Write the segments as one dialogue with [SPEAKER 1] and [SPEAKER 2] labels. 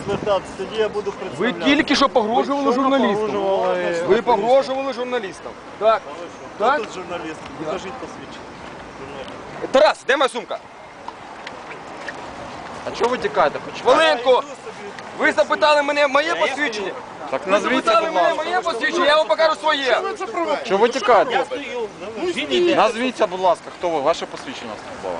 [SPEAKER 1] звертатися, тоді я буду
[SPEAKER 2] Ви
[SPEAKER 1] представляти.
[SPEAKER 2] тільки що погрожували журналістам. Ви погрожували журналістам. Так.
[SPEAKER 1] Хто тут журналіст? Покажіть посвідчення.
[SPEAKER 2] Тарас, де моя сумка?
[SPEAKER 3] А чого ви тікаєте?
[SPEAKER 2] Хвилинку! Ви запитали мене моє посвідчення?
[SPEAKER 3] Так
[SPEAKER 2] Ви
[SPEAKER 3] назвіться,
[SPEAKER 2] запитали
[SPEAKER 3] будь
[SPEAKER 2] мене
[SPEAKER 3] ласка.
[SPEAKER 2] моє посвідчення, я вам покажу своє.
[SPEAKER 3] Чого ви тікаєте? Назвіться, будь ласка, хто ви? Ваше посвідчення службове.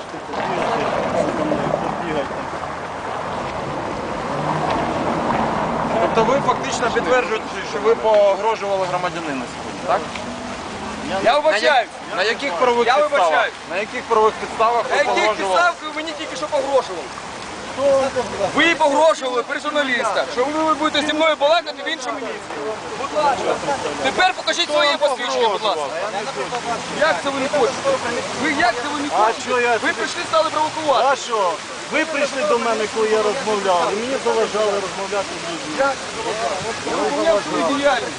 [SPEAKER 3] Тобто ви фактично підтверджуєте, що ви погрожували громадянину сьогодні, так?
[SPEAKER 2] Я вибачаюсь.
[SPEAKER 3] На яких правових
[SPEAKER 2] Я
[SPEAKER 3] підставах?
[SPEAKER 2] вибачаюсь.
[SPEAKER 3] На яких правових підставах
[SPEAKER 2] На
[SPEAKER 3] ви
[SPEAKER 2] яких
[SPEAKER 3] погрожували?
[SPEAKER 2] підставах ви мені тільки що погрожували? Ви погрожували при журналістах, що ви будете зі мною балакати в іншому місці. Будь ласка. Тепер покажіть своє посвідчення, будь ласка. Як це ви не хочете? Ви як це ви не хочете? Ви прийшли, стали провокувати.
[SPEAKER 1] А що? Ви прийшли до мене, коли я розмовляв, і мені заважали розмовляти з людьми.
[SPEAKER 2] Я виконав свою діяльність.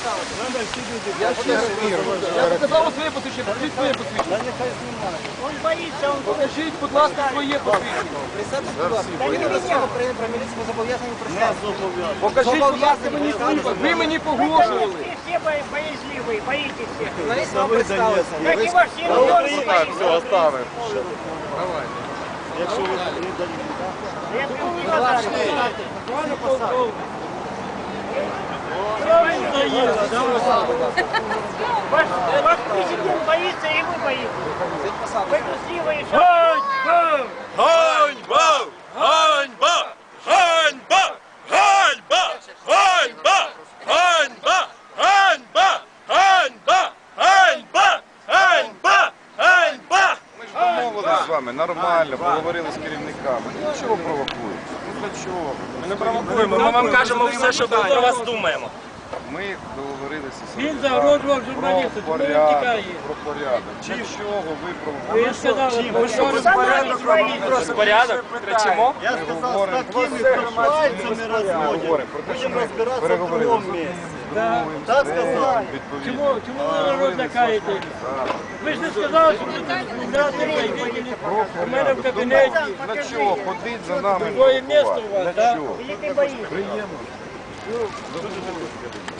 [SPEAKER 2] Я показав своє посвідчення, покажіть своє посвідчення.
[SPEAKER 4] Он боится, он
[SPEAKER 2] Покажіть, будь ласка, своє посвідчення.
[SPEAKER 4] да не меня, про милицию зобов'язані
[SPEAKER 1] Не зобов'язаний.
[SPEAKER 2] Покажіть, будь ласка, мені свій. Ви мені погрожували.
[SPEAKER 4] Все боязливые, боитесь всех.
[SPEAKER 1] Це ви Донецькі.
[SPEAKER 4] Как и во всем мире
[SPEAKER 3] Так, все, оставив.
[SPEAKER 1] Якщо ви не даєте.
[SPEAKER 4] Я благодарен. Ваш президент боится, и вы боитесь. Вы трусливые.
[SPEAKER 5] Ганьба! Ганьба! Ганьба! Ганьба! Ганьба! Ганьба! Ганьба! Ганьба! Ганьба! Ганьба! Ганьба!
[SPEAKER 3] Ми ж домовилися з вами нормально, поговорили з керівниками. Ну чого провокуєте? Ну для чого?
[SPEAKER 5] Ми не провокуємо, ми вам кажемо все, що ми про вас думаємо.
[SPEAKER 3] Ми договорилися з
[SPEAKER 6] Він загрожував журналісту,
[SPEAKER 3] про
[SPEAKER 6] тому він
[SPEAKER 3] порядок,
[SPEAKER 6] тікає.
[SPEAKER 3] про порядок. Для чого ви провокуєте?
[SPEAKER 6] Він сказав,
[SPEAKER 5] Порядок? Кричимо?
[SPEAKER 1] Я сказав, з такими прошвайцями розводять. Будемо розбиратися в
[SPEAKER 3] Переговорили.
[SPEAKER 1] другому місці.
[SPEAKER 3] Другим
[SPEAKER 1] Так
[SPEAKER 3] стежком,
[SPEAKER 1] сказали.
[SPEAKER 3] відповідно.
[SPEAKER 6] чому ви народ лякаєте? Ви ж не сказали, що ви тут не у мене в кабінеті.
[SPEAKER 3] Для чого? Ходить за нами.
[SPEAKER 6] Твоє місто у вас,
[SPEAKER 3] Для
[SPEAKER 6] так?
[SPEAKER 3] чого?
[SPEAKER 4] Или ты боишься?
[SPEAKER 3] Приємно.